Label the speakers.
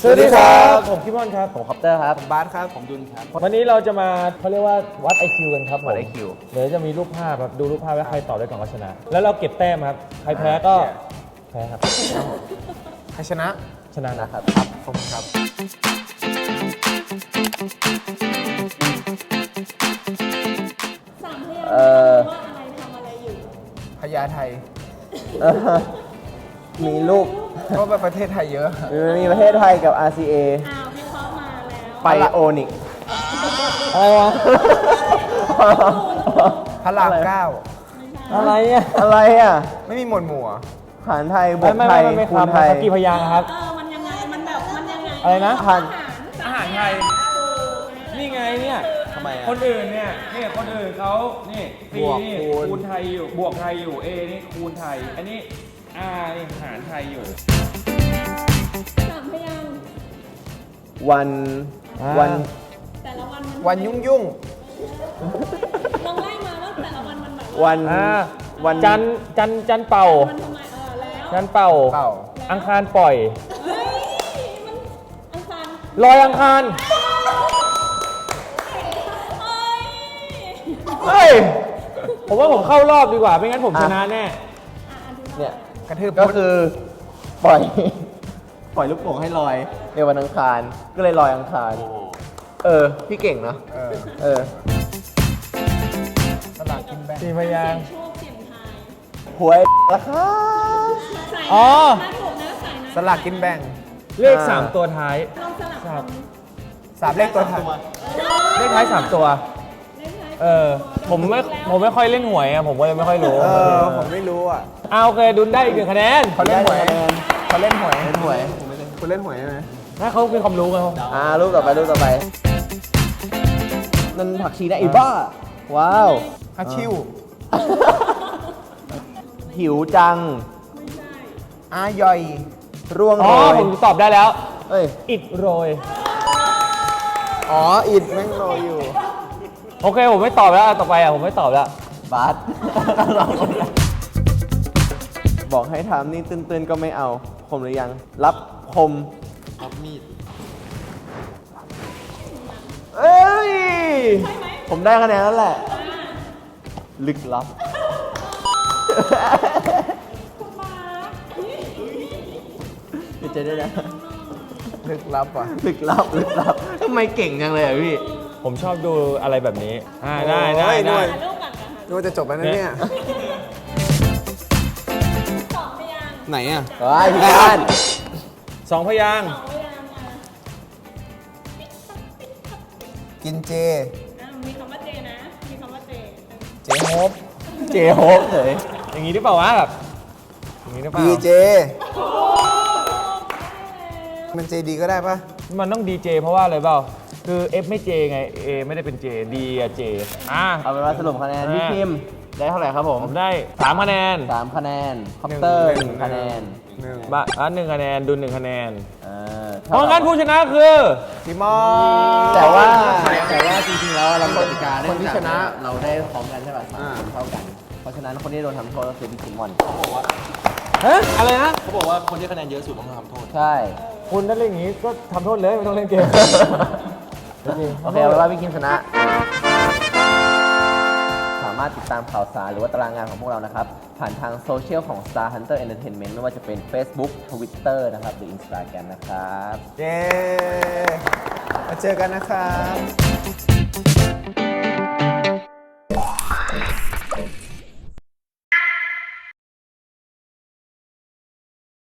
Speaker 1: สวัสดีครับผมคิมอนครับ
Speaker 2: ผมคอปเตอร์ครับ
Speaker 3: ผมบาสครับ
Speaker 2: ผมดุลครับ
Speaker 1: วันนี้เราจะมาเขาเรียกว่าวัด IQ กันครับ
Speaker 2: วัด IQ
Speaker 1: เดี๋ยวจะมีรูปภาพครับดูรูปภาพแล้วใครตอบได้ก่อนก็ชนะ แล้วเราเก็บแต้มครับใครแพ้ก็แพ้ครับ
Speaker 3: ใครชนะ
Speaker 1: ชนะนะครับ
Speaker 3: ครับผมครับ
Speaker 4: สามพยางค์ว่าอะไรทำอะไรอยู่
Speaker 3: พญาไท
Speaker 2: มีลูก
Speaker 3: เพราะว่าประเทศไทยเยอะ
Speaker 2: มีประเทศไทยกับ RCA
Speaker 4: อ้าววิเคราะห์มาแล้ว
Speaker 2: ไบโอนิก
Speaker 1: อะไรวะ
Speaker 3: พระรามเก้า
Speaker 1: อะไรอ่ะ
Speaker 2: อะไรอ่ะ
Speaker 3: ไม่มีหมวดหมู่เหรอ
Speaker 2: หารไทยบวก
Speaker 1: ไม่
Speaker 2: ไทย
Speaker 1: ไม่
Speaker 2: คู
Speaker 1: ค
Speaker 2: ณไทย
Speaker 1: กี่พยางค์ครับ
Speaker 4: มันยังไง มันแบบ มันยังไง
Speaker 1: อะไรนะ
Speaker 2: พัน
Speaker 1: อาหารไทย นี่ไงเนี่ย
Speaker 2: ทำไมอ่ะ
Speaker 1: คนอื่นเนี่ยคนอื่นเขานี่ปี
Speaker 3: บวก
Speaker 1: นี่
Speaker 3: คูณ
Speaker 1: ไทยอยู่บวกไทยอยู่ A นี่คูณไทย อันนี้ R นี่หารไทยอยู่
Speaker 4: สามพยางค์
Speaker 2: วัน วัน
Speaker 4: แต่ละวันมัน
Speaker 3: วันยุ่งยุ่ง
Speaker 4: ลองไล่มาว่าแต่ละวันมันแบบ
Speaker 2: วัน วัน
Speaker 1: จันเป่า
Speaker 4: มันทำไมแล้ว
Speaker 1: จันเป่า
Speaker 3: เปล่า
Speaker 1: อังคารปล่อย
Speaker 4: เฮ้ย มันอังคาร
Speaker 1: ลอยอังคาร
Speaker 4: เฮ้ย
Speaker 1: เฮ้ย ผมว่าผมเข้ารอบดีกว่า ไม่งั้นผมชนะแน่
Speaker 2: เนี่ย
Speaker 3: กระทืบ
Speaker 2: ก็
Speaker 3: พุทธ
Speaker 2: คือปล่อย ปล่อยลูกโป่งให้ลอยในวันอังคาร ก็เลยลอยอังคาร พี่เก่งเนอะ
Speaker 3: เออสลากกินแบ่ง
Speaker 1: สี่พยางค์
Speaker 4: โชคเสี่ยงทาย
Speaker 2: หวยราคา
Speaker 4: ใส่
Speaker 1: อ๋อ
Speaker 4: ถ้าถูกนะใส่นะ
Speaker 3: สลากกินแบ่ง
Speaker 1: เลข 3 ตัวท้าย
Speaker 4: ลองสลับ
Speaker 1: ครับ
Speaker 3: สามเลขตัวท้าย
Speaker 1: เลขท้าย 3 ตัว
Speaker 4: เลขท้าย
Speaker 1: ผมไม่ค่อยเล่นหวยอะผมก็เลยไม่ค่อยรู้
Speaker 3: ผมไม่รู้อ่ะ
Speaker 1: โอเคดุลได้อีก 1 คะแนน
Speaker 3: เขาเล่นหวยเขาเล่นหวย
Speaker 2: เล่นหวย
Speaker 3: คุณเล่นหวยใช่ไหม
Speaker 1: ถ้าเขามีความรู้ไงครับ
Speaker 2: รูปต่อไปรูปต่อไป นั่นผักชีนะไอ้บ้า ว้าว
Speaker 3: ฮัชชิว
Speaker 2: หิวจัง
Speaker 4: ไม่ใช่
Speaker 3: อาย่อย
Speaker 2: ร่วง
Speaker 1: อ๋
Speaker 2: โร
Speaker 1: อย ผมตอบได้แล้ว
Speaker 2: เอ้ย
Speaker 1: อิดโรย
Speaker 3: อ๋ออิดแม่งโรยอยู่
Speaker 1: โอเคผมไม่ตอบแล้วต่อไปผมไม่ตอบแล้ว
Speaker 2: บาส บอกให้ทำนี่ตื้นๆก็ไม่เอา คมหรือยัง รับคม
Speaker 3: รับมีด
Speaker 2: เอ้ย ผมได้คะแนนแล้วแหละ ลึกลับ
Speaker 4: คุณมาร์ค
Speaker 2: เดี๋ยวเจะได้นะ
Speaker 3: ลึกลับอ่ะ
Speaker 2: ลึกลับ ลึกลับ ทำไมเก่งจังเลยอ่ะพี่
Speaker 1: ผมชอบดูอะไรแบบนี้ได้
Speaker 3: โอ้ยหน่
Speaker 1: ได้
Speaker 3: วย
Speaker 4: ถ่ายรูปก่อนนะคะ
Speaker 3: นึกว่าจะจบแล้วนะเนี่ย
Speaker 4: สองพยางค์
Speaker 3: ไหนอ่ะ
Speaker 2: ว้ายพี่บ้าน
Speaker 1: 2 พยางค์
Speaker 4: สองพยางค์อ่ะ
Speaker 3: กินเจ
Speaker 4: มีคำว่าเจนะ มีคำว่าเจ
Speaker 3: เจโฮป
Speaker 2: เจโฮปเลย
Speaker 1: อย่างนี้หรือเปล่าวะแบบอย่างนี้หรือเปล่า
Speaker 3: ดีเจมันเจดีก็ได้ปะ
Speaker 1: มันต้องดีเจเพราะว่าอะไรเปล่าคือ F ไม่ J ไง A ไม่ได้เป็น J D อะ J
Speaker 2: เอาเป็นว่าสรุปคะแนนพี่พิมพ์ได้เท่าไหร่ครับผม
Speaker 1: ผมได้3 คะแนน
Speaker 2: 3 คะแนน คอปเตอร์ 1 คะแนน
Speaker 3: หนึ่ง
Speaker 1: บ้าน1 คะแนนดุล1 คะแนน
Speaker 2: เท่า
Speaker 1: เพราะงั้นผู้ชนะคือ
Speaker 3: พี่มอ
Speaker 2: แต่ว่าจริงๆแล้วเรากติกา
Speaker 3: คนที่ชนะ
Speaker 2: เราได้พร้อมกันใช่ป่ะ
Speaker 3: อ่า
Speaker 2: เท่ากัน เพราะฉะนั้นคนที่โดนทำโทษก็คือพี่คิมมอน
Speaker 1: ฮะอะไรนะ
Speaker 5: เขาบอกว่าคนที่คะแนนเยอะสุดต้องทำโทษ
Speaker 2: ใช่
Speaker 1: คุณถ้าเล่นอย่างนี้ก็ทำโทษเลยไม่ต้องเล่นเกม
Speaker 2: โอเคเอาเป็นว่าพี่คิมชนะ สามารถติดตามข่าวสารหรือว่าตารางงานของพวกเรานะครับ ผ่านทางโซเชียลของ Star Hunter Entertainment ไม่ว่าจะเป็น Facebook Twitter นะครับหรือ Instagram นะครับ
Speaker 3: เย้มาเจอกันนะครับ